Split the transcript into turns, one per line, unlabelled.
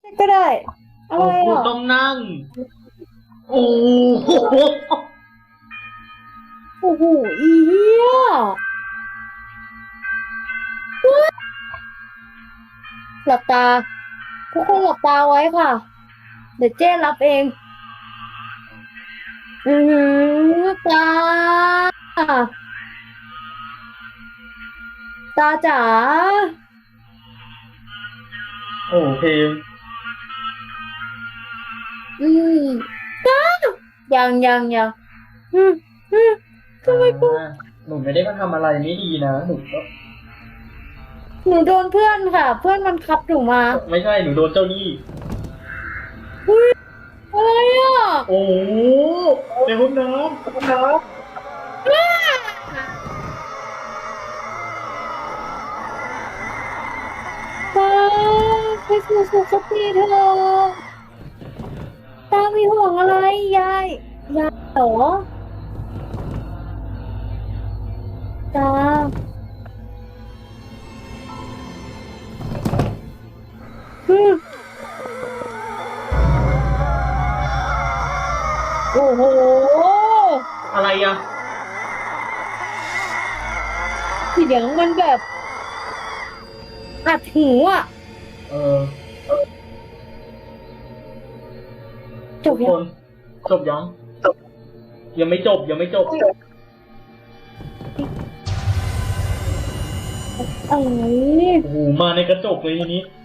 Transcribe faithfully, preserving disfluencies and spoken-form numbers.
ก็ได้อะไร
กู
อ่ะ
ต้องนั่ง โอ้โห
โอ้โหอีเหี้ยหลับตาทุกคนหลับตาไว้ค่ะ เดี๋ยวเจ้รับเอง อือหือตา ตาจ๋า
โอ้เพลง
อืมตายังยังยังอืมอืมทำไมกู
อ่าหนูไม่ได้มาทำอะไรไม่ดีนะหนูก็
หนูโดนเพื่อนค่ะ เพื่อนมันคับหนูมา
ไม่ใช่หนูโดนเจ้าหนี้
อุ๊ยอะไรอ่ะ
โอ้โหในห้องน้ำห้องน้
ตาไปสู่สุคติเถอะตามีห่วงอะไรยายยายเหรอตาอืมโอ้โห
ำอะไรอ่ะ
เสียงมันแบบอัดหูอ่ะ
เออ
จ
ทุ
บ
ก
ยั
ค
ง
นจบยังยังไม่จบยังไม่จบ
อะไร
โอ้โหมาในกระจกเลยทีนี้